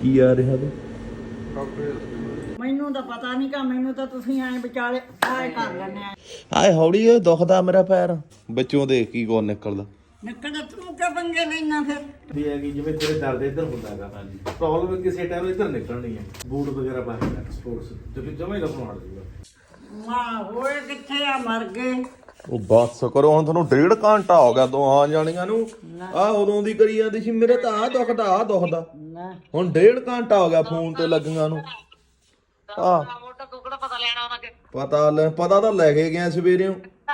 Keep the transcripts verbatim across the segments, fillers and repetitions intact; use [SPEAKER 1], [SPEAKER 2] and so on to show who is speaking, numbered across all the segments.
[SPEAKER 1] ਕੀ ਆ ਰਿਹਾ ਤੇ
[SPEAKER 2] ਮੈਨੂੰ ਤਾਂ ਪਤਾ ਨਹੀਂ ਕਿ ਮੈਨੂੰ ਤਾਂ ਤੁਸੀਂ ਐਂ ਵਿਚਾਲੇ ਆਏ ਕਰ ਲੈਣੇ ਆ।
[SPEAKER 1] ਆਏ ਹੌਲੀ ਓਏ ਦੁਖਦਾ ਮੇਰਾ ਪੈਰ ਵਿੱਚੋਂ ਦੇਖ ਕੀ ਕੋਣ ਨਿਕਲਦਾ
[SPEAKER 2] ਨਿਕਲਦਾ ਤੂੰ ਕਿਉਂ ਪੰਗੇ ਲੈਣਾ ਫਿਰ
[SPEAKER 3] ਵੀ ਹੈ ਕਿ ਜਿਵੇਂ ਤੇਰੇ ਦਰਦ ਇੱਧਰ ਹੁੰਦਾ ਹੈਗਾ ਹਾਂਜੀ ਪ੍ਰੋਬਲਮ ਕਿਸੇ ਟਾਈਮ ਇੱਧਰ ਨਿਕਲਣੀ ਹੈ ਬੂਟ ਵਗੈਰਾ ਪਾ ਕੇ ਸਪੋਰਟਸ ਤੇ ਫਿਰ ਜਮੇ ਦਾ ਬਣਾਉਣ ਦੂਗਾ
[SPEAKER 2] ਵਾਹ ਹੋਏ ਕਿੱਥੇ ਆ ਮਰ ਗਏ।
[SPEAKER 1] ਉਹ ਬਸ ਕਰੋ ਹੁਣ ਤੁਹਾਨੂੰ ਡੇਢ ਘੰਟਾ ਹੋ ਗਿਆ ਦੋਹਾਂ ਜਾਣੀਆਂ ਨੂੰ ਆ ਉਦੋਂ ਦੀ ਕਰੀ ਜਾਂਦੀ ਸੀ ਮੇਰੇ ਤਾਂ ਆ ਦੁਖਦਾ ਆ ਦੁਖਦਾ ਹੁਣ ਡੇਢ ਘੰਟਾ ਹੋ ਗਿਆ ਫੋਨ ਤੇ ਲੱਗੀਆਂ ਨੂੰ ਆ
[SPEAKER 4] ਪਤਾ ਲੈਣਾ ਉਹਨਾਂ ਕੇ
[SPEAKER 1] ਪਤਾ ਲੈ ਪਤਾ ਤਾਂ ਲੈ ਕੇ ਗਿਆ ਸਵੇਰੇ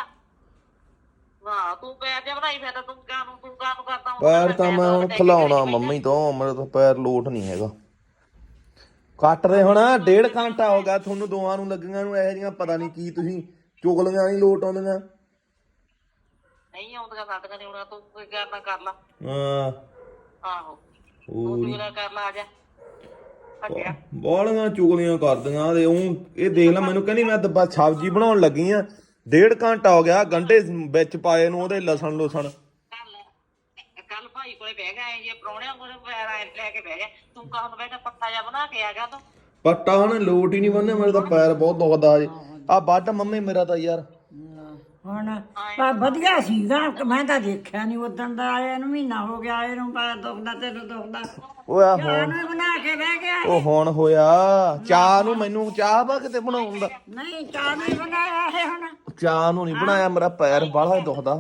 [SPEAKER 4] ਵਾਹ ਤੂੰ ਪੈਰ ਜੇ ਬਣਾਈ ਫਿਰਦਾ ਤੂੰ ਕਾਹਨੂੰ ਤੂੰ ਕਾਹਨੂੰ ਕਰਦਾ
[SPEAKER 1] ਪੈਰ ਤਾਂ ਮੈਂ ਹੁਣ ਖਿਲਾਉਣਾ ਮੰਮੀ ਤੋਂ ਮੇਰੇ ਤੋਂ ਪੈਰ ਲੋਟ ਨਹੀਂ ਹੈਗਾ ਕੱਟ ਰਹੇ ਹੁਣ ਡੇਢ ਘੰਟਾ ਹੋ ਗਿਆ ਤੁਹਾਨੂੰ ਦੋਵਾਂ ਨੂੰ ਲੱਗੀਆਂ ਨੂੰ ਇਹੋ ਜਿਹੀਆਂ ਪਤਾ ਨਹੀਂ ਕੀ ਤੁਸੀਂ ਚੁਗਲੀਆਂ ਨਹੀਂ ਲੋਟ ਆਉਂਦੀਆਂ
[SPEAKER 4] ਨਹੀਂ ਆਉਂਦੀਆਂ ਸਾਡੀਆਂ ਨਹੀਂ ਆਉਣਾ ਤੂੰ ਕੋਈ ਕਰਨਾ ਕਰ ਲਾ
[SPEAKER 1] ਹਾਂ
[SPEAKER 4] ਆਹੋ ਤੂੰ ਮੇਰਾ ਕਰ ਲਾ ਆ ਜਾ ਅੱਗਿਆ
[SPEAKER 1] ਬਾਲੀਆਂ ਚੁਗਲੀਆਂ ਕਰਦੀਆਂ ਤੇ ਉਹ ਇਹ ਦੇਖ ਲੈ ਮੈਨੂੰ ਕਹਿੰਦੀ ਮੈਂ ਤਾਂ ਸਬਜ਼ੀ ਬਣਾਉਣ ਲੱਗੀ ਆ ਡੇਢ ਘੰਟਾ ਹੋ ਗਿਆ ਗੰਢੇ ਵਿੱਚ ਪਾਏ ਨੂੰ ਉਹਦੇ ਲਸਣ ਲੁਸਣ
[SPEAKER 4] ਕੱਲ ਭਾਈ ਕੋਲੇ ਬਹਿ ਗਿਆ ਜੇ ਪ੍ਰਾਹੁਣਿਆਂ ਕੋਲੇ ਪੈਰ ਲੈ ਕੇ ਬਹਿ ਗਿਆ ਤੂੰ ਕਾਹਨੂੰ ਬਹਿ ਗਿਆ ਪੱਤਾ ਜਿਹਾ ਬਣਾ ਕੇ ਆ ਗਿਆ ਤੂੰ
[SPEAKER 1] ਪੱਟਾ ਹੁਣ ਲੋਟ ਹੀ ਨਹੀਂ ਬੰਨਿਆ ਮੇਰੇ ਤਾਂ ਪੈਰ ਬਹੁਤ ਦੁਖਦਾ ਜੇ ਆ ਵੱਢ ਮੰਮੀ ਮੇਰਾ ਤਾਂ ਯਾਰ
[SPEAKER 2] ਹੁਣ ਪਰ ਵਧੀਆ ਸੀਗਾ ਮੈਂ ਤਾਂ ਦੇਖਿਆ ਨਹੀਂ ਉਦੋਂ ਦਾ ਆਇਆ ਨੂੰ ਮਹੀਨਾ ਹੋ ਗਿਆ ਆਏ ਨੂੰ ਪੈਰ ਦੁਖਦਾ ਤੈਨੂੰ ਦੁਖਦਾ
[SPEAKER 1] ਓਏ ਆ
[SPEAKER 2] ਚਾਹ
[SPEAKER 1] ਹੁਣ
[SPEAKER 2] ਨੂੰ ਬਣਾ ਕੇ ਬਹਿ ਗਿਆ
[SPEAKER 1] ਉਹ ਹੁਣ ਹੋਇਆ ਚਾਹ ਨੂੰ ਮੈਨੂੰ ਚਾਹ ਬਾ ਕਿਤੇ ਬਣਾਉਣ ਦਾ
[SPEAKER 2] ਨਹੀਂ ਚਾਹ ਨਹੀਂ ਬਣਾਇਆ ਇਹ ਹੁਣ
[SPEAKER 1] ਚਾਹ ਨੂੰ ਨਹੀਂ ਬਣਾਇਆ ਮੇਰਾ ਪੈਰ ਬਾਹਲਾ ਦੁਖਦਾ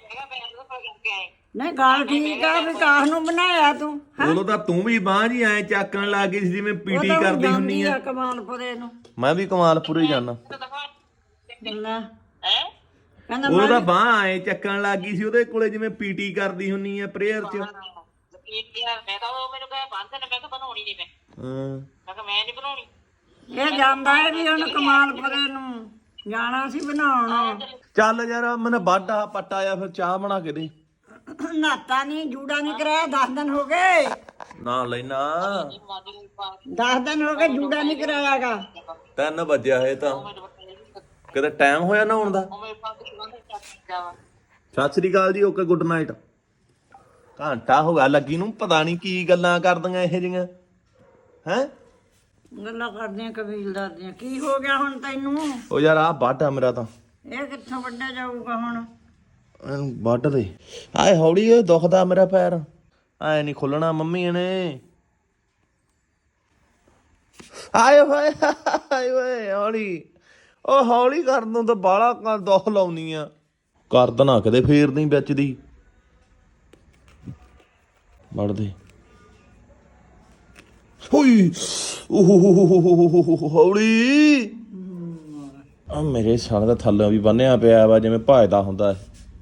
[SPEAKER 2] ਨਹੀਂ ਗੱਲ ਠੀਕ ਆ ਵੀ ਕਾਹ ਨੂੰ ਬਣਾਇਆ ਤੂੰ
[SPEAKER 1] ਉਦੋਂ ਤਾਂ ਤੂੰ ਵੀ ਬਾਂਹ ਜੀ ਐ ਚੱਕਣ ਲੱਗ ਗਈ ਸੀ ਜਿਵੇਂ ਪੀਟੀ ਕਰਦੀ ਹੁੰਨੀ ਆ
[SPEAKER 2] ਕਮਾਲਪੁਰੇ ਨੂੰ
[SPEAKER 1] ਮੈਂ ਵੀ ਕਮਾਲਪੁਰੇ ਜਾਣਾ
[SPEAKER 2] ਲੈ
[SPEAKER 4] ਹੈ
[SPEAKER 2] ਕਹਿੰਦਾ
[SPEAKER 1] ਉਹ ਤਾਂ ਬਾਂਹ ਐ ਚੱਕਣ ਲੱਗ ਗਈ ਸੀ ਉਹਦੇ ਕੋਲੇ ਜਿਵੇਂ ਪੀਟੀ ਕਰਦੀ ਹੁੰਨੀ ਆ ਪ੍ਰੇਅਰ ਚ
[SPEAKER 4] ਮੈਂ ਤਾਂ ਉਹ ਮੈਨੂੰ ਕਹੇ ਬੰਦ ਨੇ ਮੈਂ ਤਾਂ ਬਣਾਉਣੀ ਨਹੀਂ ਮੈਂ
[SPEAKER 1] ਹਾਂ
[SPEAKER 4] ਮੈਂ ਕਿਹਾ ਮੈਂ ਨਹੀਂ ਬਣਾਉਣੀ
[SPEAKER 2] ਇਹ ਜਾਂਦਾ ਹੈ ਵੀ ਹੁਣ ਕਮਾਲਪੁਰੇ ਨੂੰ ਜਾਣਾ ਸੀ ਬਣਾਉਣ
[SPEAKER 1] ਚੱਲ ਯਾਰ ਮੈਨੂੰ ਵੱਢ ਆ ਪੱਟਾ ਆ ਫਿਰ ਚਾਹ ਬਣਾ ਕੇ ਦੇ
[SPEAKER 2] ਨਾਤਾ ਨਹੀਂ ਜੂੜਾ ਨਹੀਂ ਕਰਾਇਆ ਦਸ ਦਿਨ ਹੋ ਗਏ
[SPEAKER 1] ਨਾ ਲੈਣਾ
[SPEAKER 2] ਦਸ ਦਿਨ ਹੋ ਗਏ ਜੂੜਾ ਨਹੀਂ ਕਰਾਇਆਗਾ
[SPEAKER 1] ਤਿੰਨ ਵਜਿਆ ਹੈ ਤਾਂ ਕਿਤੇ ਟਾਈਮ ਹੋਇਆ ਨਹਾਉਣ ਦਾ ਸਤਿ ਸ੍ਰੀ ਅਕਾਲ ਜੀ ਓਕੇ ਗੁੱਡ ਨਾਈਟ ਘੰਟਾ ਹੋ ਗਿਆ ਲੱਗੀ ਨੂੰ ਪਤਾ ਨਹੀਂ ਕੀ ਗੱਲਾਂ ਕਰਦੀਆਂ ਇਹ ਜਿਹੀਆਂ ਹੈ
[SPEAKER 2] ਗੱਲਾਂ ਕਰਦੀਆਂ ਕਬੀਲਦਾਰ ਦੀਆਂ ਕੀ ਹੋ ਗਿਆ ਹੁਣ ਤੈਨੂੰ
[SPEAKER 1] ਉਹ ਯਾਰ ਆ ਵੱਢ ਆ ਮੇਰਾ ਤਾਂ
[SPEAKER 2] ਇਹ ਕਿੱਥੋਂ ਵੱਢਿਆ ਜਾਊਗਾ ਹੁਣ
[SPEAKER 1] ਇਹਨੂੰ ਵੱਢ ਦੇ ਆਏ ਹੌਲੀ ਓਏ ਦੁਖਦਾ ਮੇਰਾ ਪੈਰ ਐ ਨਹੀਂ ਖੁੱਲਣਾ ਮੰਮੀ ਨੇ ਆਏ ਹੋਏ ਆਏ ਓਏ ਹੌਲੀ ਉਹ ਹੌਲੀ ਕਰਨ ਨੂੰ ਤਾਂ ਬਾਹਲਾ ਦੁੱਖ ਲਾਉਣੀ ਆ ਕਰ ਦੇਣਾ ਕਦੇ ਫੇਰਦੀ ਵਿੱਚ ਦੀ ਵੱਢ ਦੇ ਹੋਈ ਓਹ ਹੌਲੀ ਆ ਮੇਰੇ ਸਾਲੇ ਦਾ ਥੱਲੇ ਵੀ ਬੰਨਿਆ ਪਿਆ ਵਾ ਜਿਵੇਂ ਭਜਦਾ ਹੁੰਦਾ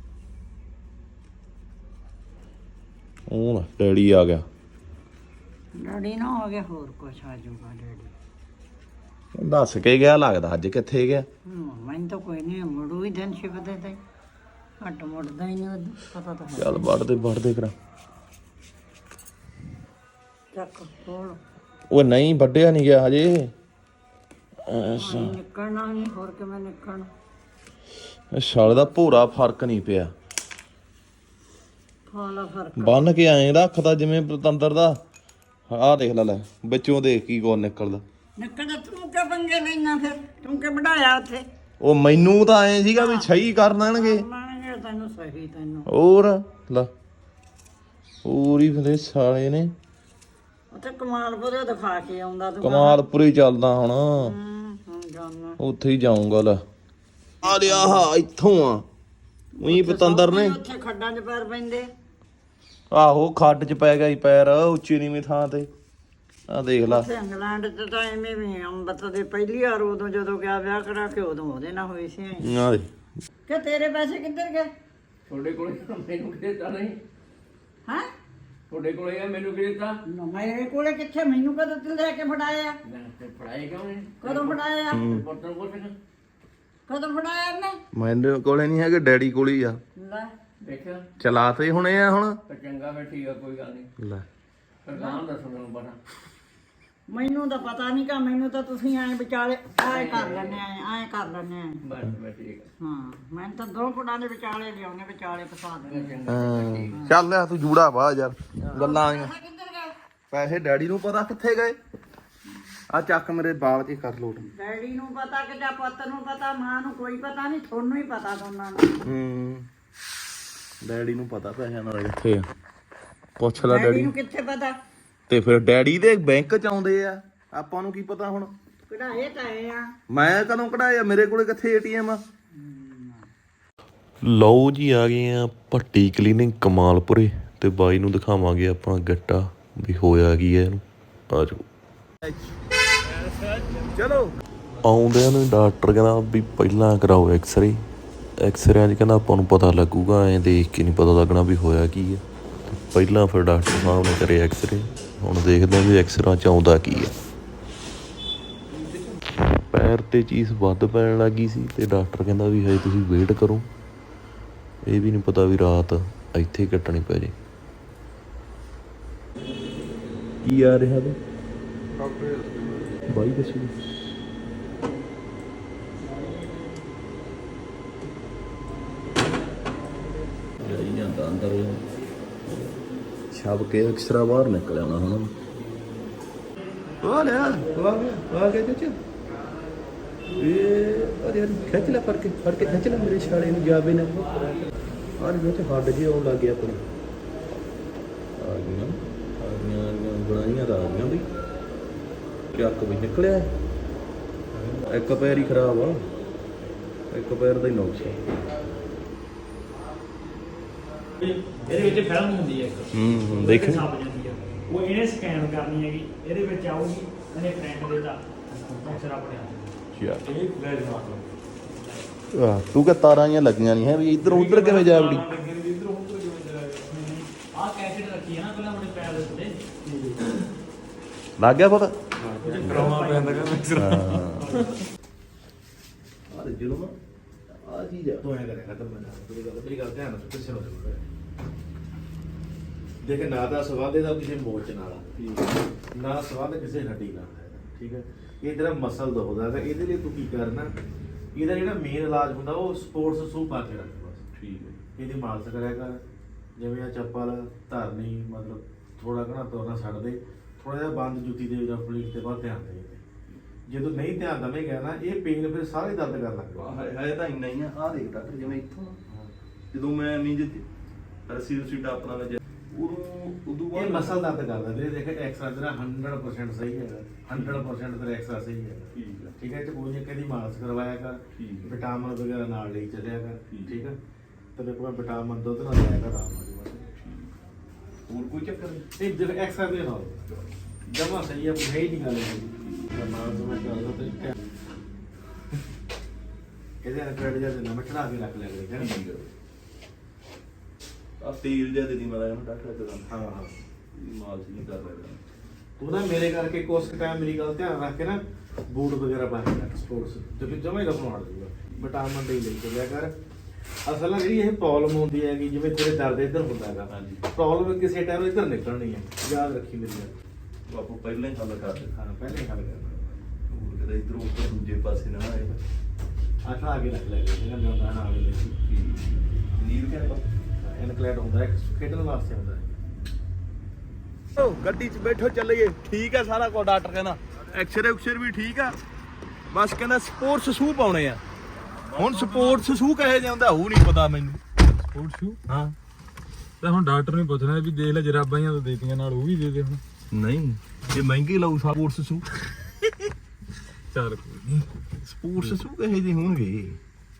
[SPEAKER 1] ਉਹ ਡੈਡੀ ਆ ਗਿਆ
[SPEAKER 2] ਡੈਡੀ ਨਾ ਹੋ ਗਿਆ ਹੋਰ ਕੁਛ ਆ ਜਾਊਗਾ ਡੈਡੀ
[SPEAKER 1] ਦੱਸ ਕੇ ਗਿਆ ਲੱਗਦਾ ਅੱਜ ਕਿੱਥੇ ਗਿਆ
[SPEAKER 2] ਮੈਨੂੰ ਤਾਂ ਕੋਈ ਨਹੀਂ ਮੁੜੂ ਹੀ ਦਿਨ ਸ਼ਿਫਦੇ ਤੇ ਹੱਟ ਮੁੜਦਾ ਹੀ ਨਹੀਂ ਪਤਾ ਤਾਂ ਹੈ
[SPEAKER 1] ਚੱਲ ਵੱਢ ਦੇ ਵੱਢ ਦੇ ਕਰਾਂ
[SPEAKER 2] ਚੱਕ ਕੋਲ
[SPEAKER 1] ਉਹ ਨਹੀਂ ਵੱਢਿਆ ਨਹੀਂ ਗਿਆ ਹਜੇ ਅੱਛਾ
[SPEAKER 2] ਨਿਕਲਣਾ ਨਹੀਂ ਹੋਰ ਕਿਵੇਂ ਨਿਕਲਣਾ
[SPEAKER 1] ਸਾਲੇ ਦਾ ਭੂਰਾ ਫਰਕ ਨਹੀਂ ਪਿਆ
[SPEAKER 2] ਖਾਲਾ ਫਰਕ
[SPEAKER 1] ਬੰਨ ਕੇ ਐਂ ਰੱਖਦਾ ਜਿਵੇਂ ਪਤੰਦਰ ਦਾ ਆਹ ਦੇਖ ਲੈ ਲੈ ਵਿੱਚੋਂ ਦੇਖ ਕੀ ਕੋਣ ਨਿਕਲਦਾ
[SPEAKER 2] ਨਿਕਲਦਾ ਤੂੰ ਕਿਉਂ ਪੰਗੇ ਲੈਣਾ ਫਿਰ ਤੂੰ ਕਿ ਵਢਾਇਆ ਉੱਥੇ
[SPEAKER 1] ਉਹ ਮੈਨੂੰ ਤਾਂ ਐਂ ਸੀਗਾ ਵੀ ਸਹੀ ਕਰ ਦੇਣਗੇ
[SPEAKER 2] ਮੰਨਗੇ ਤੈਨੂੰ ਸਹੀ ਤੈਨੂੰ
[SPEAKER 1] ਹੋਰ ਲੈ ਪੂਰੀ ਫਿਰ ਸਾਲੇ ਨੇ
[SPEAKER 2] ਉੱਥੇ ਕਮਾਲਪੁਰੇ ਦਿਖਾ ਕੇ ਆਉਂਦਾ ਤੂੰ
[SPEAKER 1] ਕਮਾਲਪੁਰੇ ਚੱਲਦਾ ਹੁਣ
[SPEAKER 2] ਹੂੰ ਹੁਣ ਜਾਣਾ
[SPEAKER 1] ਉੱਥੇ ਹੀ ਜਾਊਂਗਾ ਲੈ ਆ ਲਿਆ ਆਹ ਇੱਥੋਂ ਆ ਉਹੀ ਪਤੰਦਰ ਨੇ
[SPEAKER 2] ਉੱਥੇ ਖੱਡਾਂ 'ਚ ਪੈਰ ਪੈਂਦੇ
[SPEAKER 1] ਆਹੋ ਖੱਡ 'ਚ ਪੈ ਗਿਆ ਸੀ ਪੈਰ ਉੱਚੀ ਨੀਵੀਂ ਥਾਂ ਤੇ ਆ ਦੇਖ ਲਾ
[SPEAKER 2] ਉੱਥੇ ਇੰਗਲੈਂਡ 'ਚ ਤਾਂ ਐਵੇਂ ਵੀ ਅੰਮ੍ਰਿਤ ਦੇ ਪਹਿਲੀ ਵਾਰ ਉਦੋਂ ਜਦੋਂ ਗਿਆ ਵਿਆਹ ਕਰਾ ਕੇ ਉਦੋਂ ਉਹਦੇ ਨਾਲ ਹੋਈ ਸੀ
[SPEAKER 1] ਆ ਦੇ
[SPEAKER 2] ਕਿ ਤੇਰੇ ਪੈਸੇ ਕਿੱਧਰ ਗਏ
[SPEAKER 3] ਤੁਹਾਡੇ ਕੋਲੇ ਮੈਨੂੰ ਕਿਤੇ ਤਾਂ ਨਹੀਂ
[SPEAKER 2] ਹਾਂ
[SPEAKER 3] ਤੁਹਾਡੇ ਕੋਲੇ ਆ ਮੈਨੂੰ ਕਿਤੇ ਤਾਂ
[SPEAKER 2] ਮੇਰੇ ਕੋਲੇ ਕਿੱਥੇ ਮੈਨੂੰ ਕਦੋਂ ਤੂੰ ਲੈ ਕੇ ਫੜਾਇਆ
[SPEAKER 3] ਤੇ ਪੜਾਈ ਕਿਉਂ ਨਹੀਂ
[SPEAKER 2] ਕਦੋਂ ਫੜਾਇਆ
[SPEAKER 3] ਬਰਤਨ ਕੋਲ ਫਿਰ
[SPEAKER 2] ਕਦੋਂ ਫੜਾਇਆ ਨੇ
[SPEAKER 1] ਮੇਰੇ ਕੋਲੇ ਨਹੀਂ ਹੈਗੇ ਡੈਡੀ ਕੋਲ ਹੀ ਆ
[SPEAKER 2] ਲੈ
[SPEAKER 3] ਦੇਖਿਆ
[SPEAKER 1] ਚਲਾ ਤੇ ਹੁਣੇ ਆ ਹੁਣ
[SPEAKER 3] ਤਾਂ ਚੰਗਾ ਫਿਰ ਠੀਕ ਆ ਕੋਈ ਗੱਲ ਨਹੀਂ
[SPEAKER 1] ਲੈ
[SPEAKER 3] ਫਿਰ ਨਾਮ ਦੱਸੋ ਮੈਨੂੰ ਪਤਾ
[SPEAKER 2] ਮੈਨੂੰ ਤਾਂ ਪਤਾ ਨਹੀਂ ਕਿ ਮੈਨੂੰ ਤਾਂ ਤੁਸੀਂ ਐਂ ਵਿਚਾਲੇ ਐਂ ਕਰ ਲੈਣੇ ਐਂ ਕਰ ਲੈਣੇ
[SPEAKER 3] ਬਸ ਮੈਂ ਠੀਕ ਆ
[SPEAKER 2] ਹਾਂ ਮੈਂ ਤਾਂ ਦੋ ਫੁੱਟਾਂ ਦੇ ਵਿਚਾਲੇ ਲਿਆਉਣੇ ਵਿਚਾਲੇ ਫਸਾ ਦੇਣੇ
[SPEAKER 1] ਹਾਂ ਚੱਲ ਆ ਤੂੰ ਜੂੜਾ ਪਾ ਯਾਰ ਗੱਲਾਂ ਆਈਆਂ
[SPEAKER 2] ਕਿੱਧਰ ਗਏ
[SPEAKER 1] ਪੈਸੇ ਡੈਡੀ ਨੂੰ ਪਤਾ ਕਿੱਥੇ ਗਏ? ਆ ਚੱਕ ਮੇਰੇ ਬਾਲ ਚ ਕਰ ਲੋਟ।
[SPEAKER 2] ਡੈਡੀ ਨੂੰ ਪਤਾ ਕਿ ਜਾਂ ਪੁੱਤ ਨੂੰ ਪਤਾ, ਮਾਂ ਨੂੰ ਕੋਈ ਪਤਾ ਨਹੀਂ, ਤੁਹਾਨੂੰ ਹੀ ਪਤਾ ਦੋਨਾਂ ਨੂੰ।
[SPEAKER 1] ਹੂੰ ਡੈਡੀ ਨੂੰ ਪਤਾ ਪੈਸਿਆਂ ਨਾਲ ਕਿੱਥੇ ਆ, ਪੁੱਛ ਲੈ
[SPEAKER 2] ਡੈਡੀ
[SPEAKER 1] ਡੈਡੀ
[SPEAKER 2] ਨੂੰ ਕਿੱਥੇ ਪਤਾ?
[SPEAKER 1] ਤੇ ਫਿਰ ਡੈਡੀ ਦੇ ਬੈਂਕ ਚ ਆਉਂਦੇ ਆ, ਆਪਾਂ ਨੂੰ ਕੀ ਪਤਾ ਹੁਣ?
[SPEAKER 2] ਕਢਾਏ ਤਾਂ ਆਏ ਆ।
[SPEAKER 1] ਮੈਂ ਕਦੋਂ ਕਢਾਇਆ? ਮੇਰੇ ਕੋਲੇ ਕਿੱਥੇ ਏਟੀਐਮ ਆ? ਲਓ ਜੀ ਆ ਗਏ ਆ ਭੱਟੀ ਕਲੀਨਿੰਗ ਕਮਾਲਪੁਰੇ ਤੇ ਬਾਈ ਨੂੰ ਦਿਖਾਵਾਂਗੇ ਆਪਾਂ ਗੱਟਾ ਵੀ ਹੋਇਆ ਕੀ ਹੈ ਇਹਨੂੰ। ਆ ਜਾਓ ਚਲੋ। ਆਉਂਦਿਆਂ ਨੂੰ ਡਾਕਟਰ ਕਹਿੰਦਾ ਵੀ ਪਹਿਲਾਂ ਕਰਾਓ ਐਕਸਰੇ। ਐਕਸਰਿਆਂ 'ਚ ਕਹਿੰਦਾ ਆਪਾਂ ਨੂੰ ਪਤਾ ਲੱਗੂਗਾ, ਐਂ ਦੇਖ ਕੇ ਨਹੀਂ ਪਤਾ ਲੱਗਣਾ ਵੀ ਹੋਇਆ ਕੀ ਹੈ। ਪਹਿਲਾਂ ਫਿਰ ਡਾਕਟਰ ਸਾਹਿਬ ਨੇ ਕਰੇ ਐਕਸਰੇ, ਹੁਣ ਦੇਖਦੇ ਹਾਂ ਵੀ ਐਕਸਰਾਂ 'ਚ ਆਉਂਦਾ ਕੀ ਹੈ। ਪੈਰ ਤੇ ਚੀਜ਼ ਵੱਧ ਪੈਣ ਲੱਗੀ ਸੀ ਤੇ ਡਾਕਟਰ ਕਹਿੰਦਾ ਵੀ ਹਜੇ ਤੁਸੀਂ ਵੇਟ ਕਰੋ, ਇਹ ਵੀ ਨਹੀਂ ਪਤਾ ਵੀ ਰਾਤ ਇੱਥੇ ਕੱਟਣੀ ਪੈ ਜੇ। ਕੀ ਆ ਰਿਹਾ ਤੂੰ ਬਾਈ ਦੱਸੋ। ਜਾਈ ਜਾਂਦਾ ਅੰਦਰ ਛਾਪ ਕੇ ਅਕਸਰਾ ਬਾਹਰ ਨਿਕਲ ਆਉਣਾ ਹੁਣ। ਉਹ ਲੈ ਆ ਗਿਆ ਆ ਗਿਆ ਚਾਚਾ। ਇਹ ਅਰੇ ਖਿੱਚ ਲੈ ਫੜ ਕੇ ਫੜ ਕੇ ਖਿੱਚ ਲੈ ਮੇਰੇ ਛਾਲੇ ਨੂੰ ਜਾਵੇ ਨਾ। ਆਹ ਜੋ ਤੇ ਹੱਡ ਜੇ ਆਉਣ ਲੱਗ ਗਿਆ ਆਪਣੇ। ਆ ਗਈਆਂ ਆ ਗਈਆਂ ਆ ਗਈਆਂ ਬਣਾਈਆਂ ਤਾਂ ਆ ਗਈਆਂ ਵੀ ਚੱਕ ਵੀ ਨਿਕਲਿਆ। ਇੱਕ ਪੈਰ ਹੀ ਖਰਾਬ ਆ, ਇੱਕ ਪੈਰ ਦਾ ਹੀ ਨੁਕਸ ਆ।
[SPEAKER 5] ਇਹਦੇ ਵਿੱਚ ਫਿਲਮ ਹੁੰਦੀ ਹੈ ਇੱਕ,
[SPEAKER 1] ਹੂੰ ਦੇਖ
[SPEAKER 5] ਛਪ ਜਾਂਦੀ ਹੈ, ਉਹ ਇਹਨੇ ਸਕੈਨ ਕਰਨੀ ਹੈਗੀ, ਇਹਦੇ ਵਿੱਚ ਆਊਗੀ, ਇਹਨੇ ਪ੍ਰਿੰਟ ਦੇ ਦਾ ਅਕਸਰ ਆਪਣੇ ਆਪ
[SPEAKER 1] ਯਾਰ
[SPEAKER 5] ਇਹ ਫਲੈਸ਼ ਮਾਰ
[SPEAKER 1] ਆਹ ਤੂੰ ਕਿ ਤਾਰਾਂ ਹੀ ਲੱਗੀਆਂ ਨਹੀਂ ਹੈ ਵੀ ਇੱਧਰ ਉੱਧਰ ਕਿਵੇਂ ਜਾ ਵੜੀ।
[SPEAKER 5] ਆਹ ਕੈਸੇਟ ਰੱਖੀ ਹੈ ਨਾ ਪਹਿਲਾਂ ਆਪਣੇ ਪੈਰ ਦੇ ਉੱਤੇ
[SPEAKER 1] ਲੱਗ ਗਿਆ ਪਤਾ?
[SPEAKER 5] ਕਰਾਉਣਾ ਪੈਂਦਾ ਕਰ
[SPEAKER 1] ਆ ਦੇ ਜਦੋਂ ਆ ਚੀਜ਼ ਆ
[SPEAKER 3] ਤੂੰ ਐ ਕਰੇਗਾ ਤਾਂ ਮੈਂ ਤੇਰੀ ਗੱਲ ਤੇਰੀ ਗੱਲ ਧਿਆਨ ਨਾਲ ਕਿਸੇ ਨੂੰ ਜ਼ਰੂਰ ਦੇਖ। ਨਾ ਤਾਂ ਸਵਾਦ ਇਹਦਾ ਕਿਸੇ ਮੋਚ ਨਾਲ ਆ, ਨਾ ਸਵਾਦ ਕਿਸੇ ਹੱਡੀ ਨਾਲ ਹੈ, ਠੀਕ ਹੈ। ਇਹ ਤੇਰਾ ਮਸਲ ਦੁਖਦਾ ਤਾਂ ਇਹਦੇ ਲਈ ਤੂੰ ਕੀ ਕਰਨਾ, ਇਹਦਾ ਜਿਹੜਾ ਮੇਨ ਇਲਾਜ ਹੁੰਦਾ ਉਹ ਸਪੋਰਟਸ ਸ਼ੂ ਪਾ ਕੇ ਰੱਖ ਬਸ, ਠੀਕ ਹੈ। ਇਹਦੀ ਮਾਲਸ਼ ਕਰਿਆ ਕਰ, ਜਿਵੇਂ ਆ ਚੱਪਲ ਧਰਨੀ, ਮਤਲਬ ਥੋੜਾ ਘਣਾ ਤੁਰਨਾ ਛੱਡ ਦੇ, ਥੋੜਾ ਜਿਹਾ ਬੰਦ ਜੁੱਤੀ ਦੇ ਜਾਂ ਫਲੀਟ ਤੇ ਬਾਅਦ ਧਿਆਨ ਦੇ। ਜਦੋਂ ਨਹੀਂ ਧਿਆਨ ਦੇਵੇਂਗਾ ਨਾ ਇਹ ਪੇਨ ਫਿਰ ਸਾਰੇ ਦਰਦ ਕਰਨ ਲੱਗ ਪਊਗਾ।
[SPEAKER 1] ਹੈ ਤਾਂ ਇੰਨਾ ਹੀ ਆ। ਆ ਦੇਖ ਡਾਕਟਰ ਜਿਵੇਂ ਇੱਥੋਂ ਜਦੋਂ ਮੈਂ ਨਹੀਂ ਜਿੱਤੀ ਰਸੀ ਰਸੀ ਟਾਪਣਾ ਵਿੱਚ ਉਦੋਂ ਉਦੋਂ
[SPEAKER 3] ਇਹ
[SPEAKER 1] ਬਾਅਦ
[SPEAKER 3] ਮਸਲ ਦਰਦ ਕਰਦਾ ਵੀਰੇ। ਦੇਖ ਐਕਸਰਾ ਤੇਰਾ ਹੰਡਰਡ ਪਰਸੈਂਟ ਸਹੀ ਹੈਗਾ, ਹੰਡਰਡ ਪਰਸੈਂਟ ਤੇਰਾ ਐਕਸਰਾ ਸਹੀ ਹੈ,
[SPEAKER 1] ਠੀਕ ਹੈ
[SPEAKER 3] ਠੀਕ ਹੈ। ਤੇ ਕੋਈ ਨਹੀਂ ਕਦੀ ਮਾਲਸ਼ ਕਰਵਾਇਆ ਕਰ,
[SPEAKER 1] ਠੀਕ ਹੈ।
[SPEAKER 3] ਵਿਟਾਮਿਨ ਵਗੈਰਾ ਨਾਲ ਲਈ ਚੱਲਿਆ ਕਰ,
[SPEAKER 1] ਠੀਕ
[SPEAKER 3] ਠੀਕ ਹੈ। ਤੇ ਕੋਈ ਵਿਟਾਮਿਨ ਦੁੱਧ ਨਾਲ ਲਿਆ ਕਰ, ਆਰਾਮ ਆ ਜਾਊਗਾ।
[SPEAKER 1] ਹੋਰ ਕੋਈ ਚੱਕਰ ਨਹੀਂ।
[SPEAKER 3] ਨਹੀਂ ਦੇਖ ਐਕਸਰਾ ਦੇ ਨਾਲ ਜਮਾ ਸਹੀ ਹੈ, ਹੈ ਹੀ ਨਹੀਂ ਗੱਲ ਹੈਗੀ। ਨਾਲ ਤੋਂ ਮੈਂ ਕਰਦਾ ਤੇ ਕਿਆ ਇਹਦੇ ਨਾਲ ਕ੍ਰੈਡਿਟ ਜਾਂ ਨਾ ਮੈਂ ਚੜਾ ਕੇ ਰੱਖ ਲਿਆ ਕਰੇ,
[SPEAKER 1] ਠੀਕ ਹੈ। ਆ ਤੇਲ ਜਿਹਾ ਦੇ ਦੀ ਮੈਂ ਡਾਕਟਰ ਤੇ
[SPEAKER 3] ਹਾਂ ਹਾਂ।
[SPEAKER 1] ਮਾਲਸ਼ ਨਹੀਂ ਕਰ ਰਿਹਾ।
[SPEAKER 3] ਤੂੰ ਨਾ ਮੇਰੇ ਕਰਕੇ ਕੁਛ ਟਾਈਮ ਮੇਰੀ ਗੱਲ ਧਿਆਨ ਰੱਖ ਕੇ ਨਾ ਬੂਟ ਵਗੈਰਾ ਪਾ ਕੇ ਰੱਖ ਸਪੋਰਟਸ, ਜੋ ਕਿ ਜਮਾ ਹੀ ਰਫਨ ਹਟ ਜਾਊਗਾ। ਵਿਟਾਮਿਨ ਡੀ ਲਈ ਚੱਲਿਆ ਕਰ। ਅਸਲ ਨਾਲ ਜਿਹੜੀ ਇਹ ਪ੍ਰੋਬਲਮ ਹੁੰਦੀ ਹੈਗੀ, ਜਿਵੇਂ ਤੇਰੇ ਦਰਦ ਇੱਧਰ ਹੁੰਦਾ ਹੈਗਾ,
[SPEAKER 1] ਹਾਂਜੀ।
[SPEAKER 3] ਪ੍ਰੋਬਲਮ ਕਿਸੇ ਟਾਈਮ ਇੱਧਰ ਨਿਕਲਣੀ ਹੈ, ਯਾਦ ਰੱਖੀ ਮੇਰੀ ਗੱਲ।
[SPEAKER 1] ਬਾਪੂ ਪਹਿਲਾਂ ਹੀ ਹੱਲ ਕਰ ਦੇ।
[SPEAKER 3] ਹਾਂ ਪਹਿਲਾਂ ਹੀ ਹੱਲ ਕਰਨਾ।
[SPEAKER 1] ਹੋਰ ਕਿਤੇ ਇੱਧਰੋਂ ਉੱਧਰ ਦੂਜੇ ਪਾਸੇ ਨਾ ਆਏ।
[SPEAKER 3] ਅੱਠ ਆ ਕੇ ਰੱਖ ਲੈ ਜਿਹੜਾ ਮੈਂ ਹੁੰਦਾ ਨਾ ਆਵੇ
[SPEAKER 1] ਨੀਰ ਕਿਆ
[SPEAKER 3] ਇਨਕਲੈਟ ਹੁੰਦਾ ਹੈ, ਖੇਡਣ ਵਾਸਤੇ ਹੁੰਦਾ ਹੈ।
[SPEAKER 1] ਓ ਗੱਡੀ 'ਚ ਬੈਠੋ ਚੱਲੀਏ। ਠੀਕ ਆ ਸਾਰਾ ਕੁਝ ਡਾਕਟਰ ਕਹਿੰਦਾ, ਐਕਸਰੇ ਉਕਸਰ ਵੀ ਠੀਕ ਆ, ਬਸ ਕਹਿੰਦਾ ਸਪੋਰਟਸ ਸ਼ੂ ਪਾਉਣੇ ਆ। ਹੁਣ ਸਪੋਰਟਸ ਸ਼ੂ ਕਹੇ ਜਾਂਦਾ ਉਹ ਨਹੀਂ ਪਤਾ ਮੈਨੂੰ।
[SPEAKER 6] ਸਪੋਰਟ ਸ਼ੂ
[SPEAKER 1] ਹਾਂ
[SPEAKER 6] ਤਾਂ ਹੁਣ ਡਾਕਟਰ ਨੂੰ ਪੁੱਛਣਾ ਵੀ ਦੇਖ ਲੈ ਜਰਾਬਾਂ ਜਾਂ ਤਾਂ ਦੇਤੀਆਂ ਨਾਲ ਉਹ ਵੀ ਦੇ ਦੇ ਹੁਣ।
[SPEAKER 1] ਨਹੀਂ ਇਹ ਮਹਿੰਗੇ ਲਾਉ ਸਪੋਰਟਸ ਸ਼ੂ।
[SPEAKER 6] ਚੱਲ ਕੋਈ ਨਹੀਂ।
[SPEAKER 1] ਸਪੋਰਟਸ ਸ਼ੂ ਕਹੇ ਜਿਹੇ ਹੋਣਗੇ,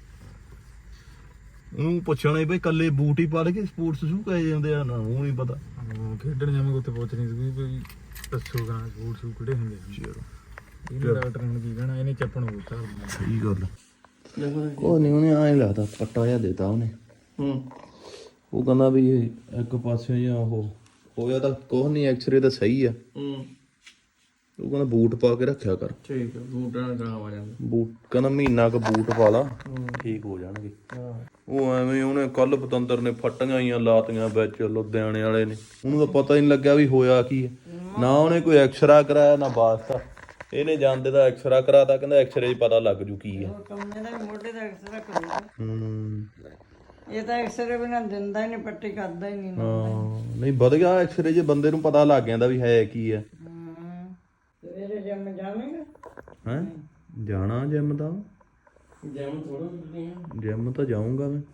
[SPEAKER 1] ਉਹਨੂੰ ਪੁੱਛਣਾ ਬਈ ਕੱਲੇ ਬੂਟ ਹੀ ਪਾ ਕੇ ਸਪੋਰਟਸ ਸ਼ੂ ਕਹੇ ਜਾਂਦੇ ਆ ਨਾ, ਉਹ ਨਹੀਂ ਪਤਾ।
[SPEAKER 6] ਉਹ ਖੇਡਣ ਜਾਵਾਂਗੇ ਉੱਥੇ ਪੁੱਛਣੀ ਸੀ ਵੀ ਦੱਸੋ ਕਰਾਂ ਸਪੋਰਟ ਸ਼ੂ ਕਿਹੜੇ ਹੁੰਦੇ ਆ।
[SPEAKER 1] ਚਲੋ
[SPEAKER 6] ਇਹਨੇ ਡਾਕਟਰ ਨੂੰ ਕੀ ਕਹਿਣਾ, ਇਹਨੇ ਚੱਪਣ ਉਹ ਚੱਲ
[SPEAKER 1] ਸਹੀ ਗੱਲ। ਉਹ ਨਹੀਂ ਉਹਨੇ ਐਂ ਲਾਤਾ ਪੱਟਾ ਜਿਹਾ ਦੇਤਾ ਉਹਨੇ। ਹੂੰ ਉਹ ਕਹਿੰਦਾ ਵੀ ਇਹ ਇੱਕ ਪਾਸੇ ਜਾਂ ਉਹ ਹੋਇਆ ਤਾਂ ਕੁਛ ਨਹੀਂ, ਐਕਸਰੇ ਤਾਂ ਸਹੀ ਆ। ਹੂੰ ਉਹ ਕਹਿੰਦਾ ਬੂਟ ਪਾ ਕੇ ਰੱਖਿਆ ਕਰ।
[SPEAKER 6] ਠੀਕ ਹੈ, ਬੂਟਾਂ ਨਾਲ ਕੰਮ ਆ ਜਾਂਦਾ।
[SPEAKER 1] ਬੂਟ ਕਹਿੰਦਾ ਮਹੀਨਾ ਕੁ ਬੂਟ ਪਾ ਲਾ ਠੀਕ ਹੋ ਜਾਣਗੇ। ਉਹ ਐਵੇਂ ਉਹਨੇ ਕੱਲ ਪਤੰਦਰ ਨੇ ਫੱਟੀਆਂ ਹੀ ਲਾਤੀਆਂ ਵਿੱਚ ਲੁਧਿਆਣੇ ਵਾਲੇ ਨੇ, ਉਹਨੂੰ ਤਾਂ ਪਤਾ ਹੀ ਨਹੀਂ ਲੱਗਿਆ ਵੀ ਹੋਇਆ ਕੀ ਹੈ। ਨਾ ਉਹਨੇ ਕੋਈ ਐਕਸਰਾ ਕਰਾਇਆ ਨਾ ਵਾਸਤਾ, ਇਹਨੇ ਜਾਂਦੇ ਦਾ ਐਕਸਰਾ ਕਰਾਤਾ, ਕਹਿੰਦਾ ਐਕਸਰੇ 'ਚ ਪਤਾ ਲੱਗ ਜੂ ਕੀ ਹੈ।
[SPEAKER 2] ਕੰਨੇ ਦਾ ਮੋਢੇ ਦਾ ਐਕਸਰਾ ਕਰੂਗਾ।
[SPEAKER 1] ਹੂੰ
[SPEAKER 2] ਇਹ ਤਾਂ ਐਕਸਰੇ ਬਿਨਾਂ ਦਿੰਦਾ ਹੀ ਨਹੀਂ, ਪੱਟੀ ਕਰਦਾ ਹੀ ਨਹੀਂ ਨਾ।
[SPEAKER 1] ਹਾਂ ਨਹੀਂ ਵਧੀਆ ਐਕਸਰੇ ਜੇ ਬੰਦੇ ਨੂੰ ਪਤਾ ਲੱਗ ਜਾਂਦਾ ਵੀ ਹੈ ਕੀ ਹੈ।
[SPEAKER 2] ਹਮ, ਸਵੇਰੇ ਜਿਮ ਜਾਵੇਂਗਾ?
[SPEAKER 1] ਹੈ ਜਾਣਾ ਜਿਮ ਦਾ,
[SPEAKER 5] ਜੈਮ ਥੋੜਾ ਹੁੰਦੀਆਂ
[SPEAKER 1] ਜਿਮ ਤਾਂ ਜਾਊਂਗਾ ਮੈਂ।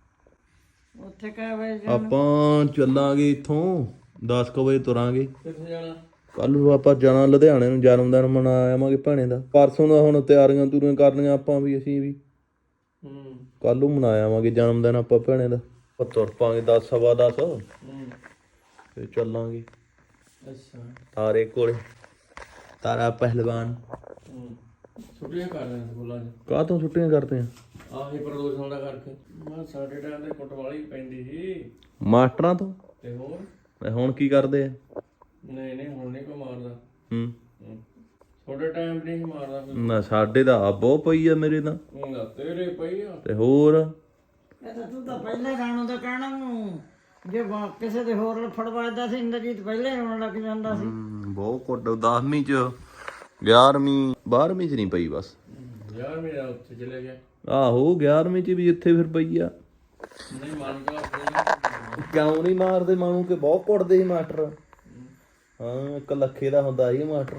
[SPEAKER 2] ਉੱਥੇ ਕਹਿ ਵੇ
[SPEAKER 1] ਆਪਾਂ ਚੱਲਾਂਗੇ ਇੱਥੋਂ ਦਸ ਕੁ ਵਜੇ ਤੁਰਾਂਗੇ।
[SPEAKER 5] ਕਿੱਥੇ ਜਾਣਾ?
[SPEAKER 1] ਕੱਲ ਨੂੰ ਆਪਾਂ ਜਾਣਾ ਲੁਧਿਆਣੇ ਨੂੰ, ਜਨਮ ਦਿਨ ਮਨਾ ਆਵਾਂਗੇ ਭੈਣੇ ਦਾ। ਪਰਸੋਂ ਦਾ ਹੁਣ ਤਿਆਰੀਆਂ ਤੁਰੀਆਂ ਕਰਨੀਆਂ ਆਪਾਂ ਵੀ, ਅਸੀਂ ਵੀ
[SPEAKER 5] ਹੂੰ
[SPEAKER 1] ਕੱਲ ਨੂੰ ਮਨਾ ਆਵਾਂਗੇ ਜਨਮ ਦਿਨ ਆਪਾਂ ਭੈਣੇ ਦਾ। ਆਪਾਂ ਤੁਰ ਪਾਂਗੇ ਦਸ ਸਵਾ ਦਸ,
[SPEAKER 5] ਹੂੰ
[SPEAKER 1] ਫਿਰ ਚੱਲਾਂਗੇ
[SPEAKER 5] ਅੱਛਾ
[SPEAKER 1] ਤਾਰੇ ਕੋਲੇ, ਤਾਰਾ ਪਹਿਲਵਾਨ।
[SPEAKER 5] ਹੂੰ ਛੁੱਟੀਆਂ ਕਰ ਰਹੇ ਸਕੂਲਾਂ 'ਚ।
[SPEAKER 1] ਕਾਹ ਤੋਂ ਛੁੱਟੀਆਂ ਕਰਦੇ ਆ?
[SPEAKER 5] ਆਹੀ ਪ੍ਰਦੂਸ਼ਣ ਦਾ ਕਰਕੇ। ਮੈਂ ਸਾਡੇ ਟਾਈਮ ਤੇ ਕੁੱਟ ਵਾਲੀ ਪੈਂਦੀ ਸੀ।
[SPEAKER 1] ਮਾਸਟਰਾਂ ਤੋਂ।
[SPEAKER 5] ਤੇ ਹੋਰ
[SPEAKER 1] ਤੇ ਹੁਣ ਕੀ ਕਰਦੇ ਆ?
[SPEAKER 5] ਨਹੀਂ ਨਹੀਂ ਹੁਣ ਨਹੀਂ ਕੋਈ ਮਾਰਦਾ।
[SPEAKER 1] ਹੂੰ
[SPEAKER 5] ਹੂੰ। ਤੁਹਾਡੇ ਟਾਈਮ ਨਹੀਂ ਸੀ ਮਾਰਦਾ ਕੋਈ।
[SPEAKER 1] ਨਾ ਸਾਡੇ ਦਾ ਆ ਬਹੁਤ ਪਈ ਆ ਮੇਰੇ ਤਾਂ।
[SPEAKER 5] ਹੁੰਦਾ ਤੇਰੇ ਪਈ ਆ।
[SPEAKER 1] ਤੇ ਹੋਰ
[SPEAKER 2] ਇਹ ਤਾਂ ਤੂੰ ਤਾਂ ਪਹਿਲੇ ਗਾਣੋਂ ਦਾ ਕਹਿਣਾ ਨੂੰ, ਜੇ ਵਾ- ਕਿਸੇ ਦੇ ਹੋਰ ਫੜਵਾਦਾ ਸੀ ਇੰਦਰਜੀਤ ਪਹਿਲੇ ਹੀ ਆਉਣ ਲੱਗ ਜਾਂਦਾ ਸੀ।
[SPEAKER 1] ਹਮ, ਬਹੁਤ ਕੁੱਟ ਦਸਵੀਂ ਚ, ਗਿਆਰਵੀਂ ਬਾਰਵੀਂ ਚ ਨਹੀਂ ਪਈ ਬਸ।
[SPEAKER 5] ਯਾਰ ਮੇਰਾ ਉੱਥੇ ਚਲੇ ਗਿਆ।
[SPEAKER 1] ਆਹੋ ਗਿਆਰਵੀਂ ਚ ਵੀ ਇੱਥੇ ਫਿਰ ਪਈ ਆ।
[SPEAKER 5] ਨਹੀਂ ਮੰਨ ਕੇ ਆਪਣੇ
[SPEAKER 1] ਕਿਉਂ ਨਹੀਂ ਮਾਰਦੇ ਮਾਨੂੰ ਕਿ ਬਹੁਤ ਕੁੱਟਦੇ ਸੀ ਮਾਸਟਰ। ਹਾਂ ਇੱਕ ਲੱਖੇ ਦਾ ਹੁੰਦਾ ਸੀ ਮਾਸਟਰ।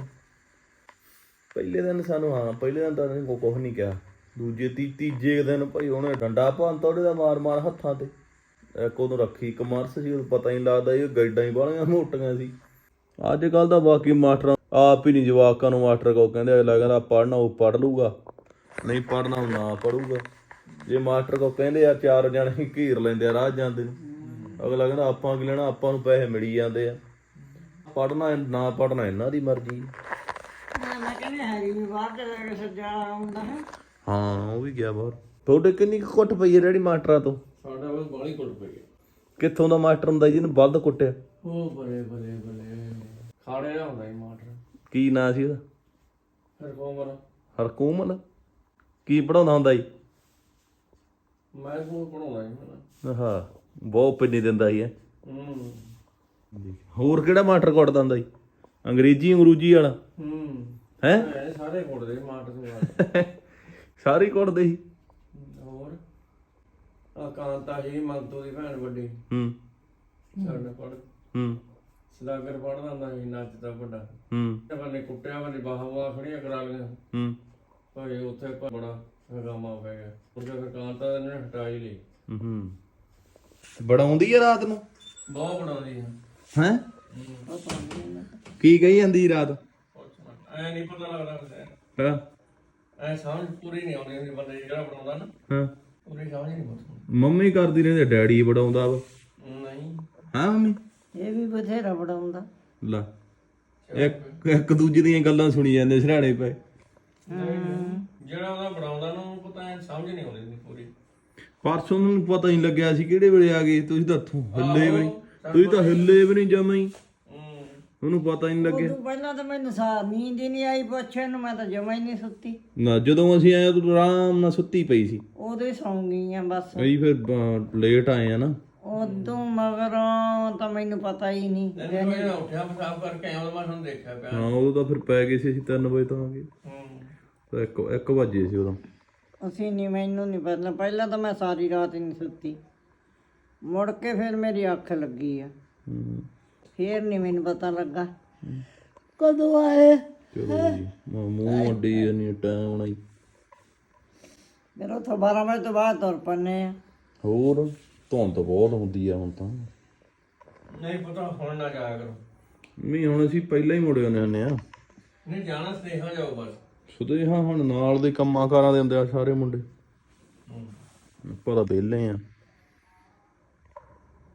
[SPEAKER 1] ਪਹਿਲੇ ਦਿਨ ਸਾਨੂੰ, ਹਾਂ ਪਹਿਲੇ ਦਿਨ ਤਾਂ ਨਹੀਂ ਕੁਛ ਨਹੀਂ ਕਿਹਾ। ਦੂਜੇ ਤੀ ਤੀਜੇ ਦਿਨ ਭਾਈ ਉਹਨੇ ਡੰਡਾ ਭੰਨ ਤੋੜੇ ਦਾ ਮਾਰ ਮਾਰ ਹੱਥਾਂ ਤੇ। ਇੱਕ ਉਦੋਂ ਰੱਖੀ ਕਮਰਸ ਸੀ, ਉਦੋਂ ਪਤਾ ਹੀ ਲੱਗਦਾ ਇਹ ਗੈਡਾਂ ਹੀ ਬਾਹਲੀਆਂ ਮੋਟੀਆਂ ਸੀ। ਅੱਜ ਕੱਲ੍ਹ ਤਾਂ ਬਾਕੀ ਮਾਸਟਰਾਂ ਆਪ ਹੀ ਨਹੀਂ ਜਵਾਕਾਂ ਨੂੰ ਮਾਸਟਰ ਕੋ ਕਹਿੰਦੇ। ਅਗਲਾ ਕਹਿੰਦਾ ਪੜ੍ਹਨਾ ਉਹ ਪੜ੍ਹ ਲੂਗਾ, ਨਹੀਂ ਪੜ੍ਹਨਾ ਉਹ ਨਾ ਪੜੂਗਾ। ਜੇ ਮਾਸਟਰ ਕੋ ਕਹਿੰਦੇ ਆ ਚਾਰ ਜਣੇ ਘੇਰ ਲੈਂਦੇ ਆ ਰਾਹ ਜਾਂਦੇ ਨੂੰ, ਅਗਲਾ ਕਹਿੰਦਾ ਆਪਾਂ ਕੀ ਲੈਣਾ, ਆਪਾਂ ਨੂੰ ਪੈਸੇ ਮਿਲੀ ਜਾਂਦੇ ਆ। ਪੜ੍ਹਨਾ ਨਾ ਪੜ੍ਹਨਾ ਇਹਨਾਂ ਦੀ ਮਰਜ਼ੀ।
[SPEAKER 2] ਮੈਂ ਕਹਿੰਦੀ ਹੈਰੀ ਵੀ ਬਾਹਰ ਦੇ ਲੈ ਕੇ ਸੱਜਾ ਆਉਂਦਾ ਹੈ।
[SPEAKER 1] ਹਾਂ ਉਹ ਵੀ ਗਿਆ ਬਾਹਰ। ਤੁਹਾਡੇ ਕਿੰਨੀ ਕੁ ਕੁੱਟ ਪਈ ਹੈ ਡੈਡੀ ਮਾਸਟਰਾਂ ਤੋਂ?
[SPEAKER 5] ਸਾਡਾ ਬਸ ਬਾਲੀ ਕੁੱਟ ਪਈ ਆ।
[SPEAKER 1] ਕਿੱਥੋਂ ਦਾ ਮਾਸਟਰ ਹੁੰਦਾ ਜਿਹਨੂੰ ਵੱਧ ਕੁੱਟਿਆ?
[SPEAKER 5] ਉਹ ਬਲੇ ਬਲੇ ਬਲੇ ਖਾੜੇ ਦਾ ਹੁੰਦਾ ਸੀ ਮਾਸਟਰ।
[SPEAKER 1] ਕੀ ਨਾਂ ਸੀ ਉਹਦਾ?
[SPEAKER 5] ਫਿਰ ਕੋਮਰ
[SPEAKER 1] ਹਰਕੂਮਲ। ਕੀ ਪੜਾਉਂਦਾ ਹੁੰਦਾ ਸੀ?
[SPEAKER 5] ਮੈਂ ਕੋਲ ਪੜਾਉਂਦਾ ਸੀ ਮੈਂ।
[SPEAKER 1] ਹਾਂ ਬਹੁਤ ਪਿੰਨੀ ਦਿੰਦਾ ਸੀ।
[SPEAKER 5] ਹੂੰ
[SPEAKER 1] ਹੋਰ ਕਿਹੜਾ ਮਾਸਟਰ ਕੁੱਟਦਾ ਹੁੰਦਾ ਸੀ? ਅੰਗਰੇਜ਼ੀ ਅੰਗਰੂਜੀ ਵਾਲਾ
[SPEAKER 5] ਹੂੰ
[SPEAKER 1] ਹੈ?
[SPEAKER 5] ਇਹ ਸਾਰੇ ਕੁੱਟਦੇ ਸੀ ਮਾਸਟਰ।
[SPEAKER 1] ਸਾਰੇ ਹੀ ਕੁੱਟਦੇ ਸੀ।
[SPEAKER 5] ਹੋਰ ਆ ਕਾਂਤਾ ਸੀ ਮੰਤੂ ਦੀ ਭੈਣ ਵੱਡੀ।
[SPEAKER 1] ਹੂੰ
[SPEAKER 5] ਸਾਡੇ ਪੜ
[SPEAKER 1] ਹੂੰ
[SPEAKER 5] ਸਦਾਗਰ ਪੜਦਾ ਹੁੰਦਾ ਸੀ ਨੱਚਦਾ ਵੱਡਾ।
[SPEAKER 1] ਹੂੰ
[SPEAKER 5] ਤੇ ਬੰਨੇ ਕੁੱਟਿਆ ਬੰਨੇ ਬਾਹਾਂ ਖੜੀਆਂ ਕਰਾ ਲਈਆਂ।
[SPEAKER 1] ਹੂੰ
[SPEAKER 5] ਭਾਈ ਉੱਥੇ ਪ- ਬੜਾ ਹਗਾਮਾ ਪੈ ਗਿਆ। ਉਹਦੇ ਫਿਰ ਕਾਂਤਾ ਨੇ ਹਟਾ ਹੀ ਲਈ।
[SPEAKER 1] ਹੂੰ ਬੜਾਉਂਦੀ ਆ ਰਾਤ ਨੂੰ?
[SPEAKER 5] ਬਹੁਤ ਬਣਾਉਂਦੀ ਹੈ।
[SPEAKER 1] ਹੈ ਕੀ ਕਹੀ ਜਾਂਦੀ ਸੀ ਰਾਤ?
[SPEAKER 5] ਐ ਨਹੀਂ ਪਤਾ ਲੱਗਦਾ ਫਿਰ।
[SPEAKER 1] ਹਾਂ
[SPEAKER 5] ਐ ਸਮਝ ਪੂਰੀ ਨਹੀਂ ਆਉਂਦੀ ਹੁੰਦੀ ਬੰਦੇ ਦੀ ਜਿਹੜਾ ਬਣਾਉਂਦਾ ਨਾ,
[SPEAKER 1] ਹਾਂ
[SPEAKER 5] ਪੂਰੀ ਸਮਝ ਨਹੀਂ ਆਉਂਦੀ।
[SPEAKER 1] ਮੰਮੀ ਕਰਦੀ ਰਹਿੰਦੀ, ਡੈਡੀ ਬੜਾਉਂਦਾ ਵਾ।
[SPEAKER 5] ਨਹੀਂ
[SPEAKER 1] ਹਾਂ ਮੰਮੀ
[SPEAKER 2] ਇਹ ਵੀ ਬਥੇਰਾ ਬੜਾਉਂਦਾ।
[SPEAKER 1] ਲਾ ਇੱਕ ਇੱਕ ਦੂਜੇ ਦੀਆਂ ਗੱਲਾਂ ਸੁਣੀ ਜਾਂਦੇ ਸਿਰਹਾਣੇ ਪਏ।
[SPEAKER 5] ਜਿਹੜਾ ਉਹਦਾ ਬਣਾਉਂਦਾ ਨਾ ਉਹਨੂੰ ਪਤਾ ਐ ਸਮਝ ਨਹੀਂ ਆਉਂਦੀ ਹੁੰਦੀ ਪੂਰੀ।
[SPEAKER 1] ਪਰਸੋਂ ਨੂੰ ਪਤਾ ਨਹੀਂ ਲੱਗਿਆ ਸੀ ਕਿਹੜੇ ਵੇਲੇ ਆ ਗਏ ਤੁਸੀਂ। ਤਾਂ ਇੱਥੋਂ ਹਿੱਲੇ ਵੀ ਨਹੀਂ, ਤੁਸੀਂ ਤਾਂ ਹਿੱਲੇ ਵੀ ਨਹੀਂ ਜਮਾਂ ਹੀ,
[SPEAKER 5] ਹੂੰ
[SPEAKER 1] ਉਹਨੂੰ ਪਤਾ ਹੀ ਨਹੀਂ ਲੱਗਿਆ।
[SPEAKER 2] ਉਦੋਂ ਪਹਿਲਾਂ ਤਾਂ ਮੈਨੂੰ ਸਾਰ ਨੀਂਦ ਹੀ ਨਹੀਂ ਆਈ ਪੁੱਛੇ ਨੂੰ, ਮੈਂ ਤਾਂ ਜਮਾ ਹੀ ਨਹੀਂ ਸੁੱਤੀ।
[SPEAKER 1] ਨਾ ਜਦੋਂ ਅਸੀਂ ਆਏ ਤੂੰ ਆਰਾਮ ਨਾਲ ਸੁੱਤੀ ਪਈ ਸੀ।
[SPEAKER 2] ਉਦੋਂ ਹੀ ਸੌਂ ਗਈ ਆ ਬਸ।
[SPEAKER 1] ਅਸੀਂ ਫਿਰ ਲੇਟ ਆਏ ਆ ਨਾ।
[SPEAKER 2] ਉਦੋਂ ਮਗਰੋਂ ਤਾਂ ਮੈਨੂੰ ਪਤਾ ਹੀ ਨਹੀਂ।
[SPEAKER 5] ਤੈਨੂੰ ਮੈਂ ਉੱਠਿਆ ਪਿਸ਼ਾਬ ਕਰਕੇ ਆਇਆ ਮੈਂ ਤੁਹਾਨੂੰ ਦੇਖਿਆ ਪਿਆ।
[SPEAKER 1] ਹਾਂ ਉਦੋਂ ਤਾਂ ਫਿਰ ਪੈ ਗਏ ਸੀ ਅਸੀਂ ਤਿੰਨ ਵਜੇ ਤੋਂ ਆ ਗਏ।
[SPEAKER 5] ਹੂੰ
[SPEAKER 1] ਤਾਂ ਇੱਕ ਇੱਕ ਵਜੇ ਸੀ ਉਦੋਂ।
[SPEAKER 2] ਅਸੀਂ ਨਹੀਂ, ਮੈਨੂੰ ਨਹੀਂ ਪਤਾ। ਪਹਿਲਾਂ ਤਾਂ ਮੈਂ ਸਾਰੀ ਰਾਤ ਹੀ ਨਹੀਂ ਸੁੱਤੀ, ਮੁੜ ਕੇ ਫਿਰ ਮੇਰੀ ਅੱਖ ਲੱਗੀ ਆ,
[SPEAKER 1] ਹੂੰ
[SPEAKER 2] ਫਿਰ ਨਹੀਂ ਮੈਨੂੰ ਪਤਾ ਲੱਗਾ ਕਦੋਂ ਆਏ।
[SPEAKER 1] ਚਲੋ ਜੀ ਮੂੰਹ ਮੂੰਹ ਅੱਡੀ ਨਹੀਂ ਟਾਈਮ ਹੋਣਾ ਹੀ।
[SPEAKER 2] ਫਿਰ ਉੱਥੋਂ ਬਾਰਾਂ ਵਜੇ ਤੋਂ ਬਾਅਦ ਤੁਰ ਪੰਨੇ ਆ।
[SPEAKER 1] ਹੋਰ ਧੁੰਦ ਬਹੁਤ ਹੁੰਦੀ ਆ ਹੁਣ ਤਾਂ।
[SPEAKER 5] ਨਹੀਂ ਪਤਾ ਹੁਣ ਨਾ ਜਾਇਆ ਕਰੋ।
[SPEAKER 1] ਨਹੀਂ ਹੁਣ ਅਸੀਂ ਪਹਿਲਾਂ ਹੀ ਮੁੜੇ ਆਉਂਦੇ ਹੁੰਦੇ ਆ।
[SPEAKER 5] ਨਹੀਂ ਜਾਣਾ ਸਨੇਹਾ ਜਾਓ ਬਸ।
[SPEAKER 1] ਸੁਦੇ ਹਾਂ ਹੁਣ ਨਾਲ ਦੇ ਕੰਮਾਂ ਕਾਰਾਂ ਦੇ ਹੁੰਦੇ ਆ ਸਾਰੇ ਮੁੰਡੇ। ਆਪਾਂ ਤਾਂ ਵਿਹਲੇ ਆ।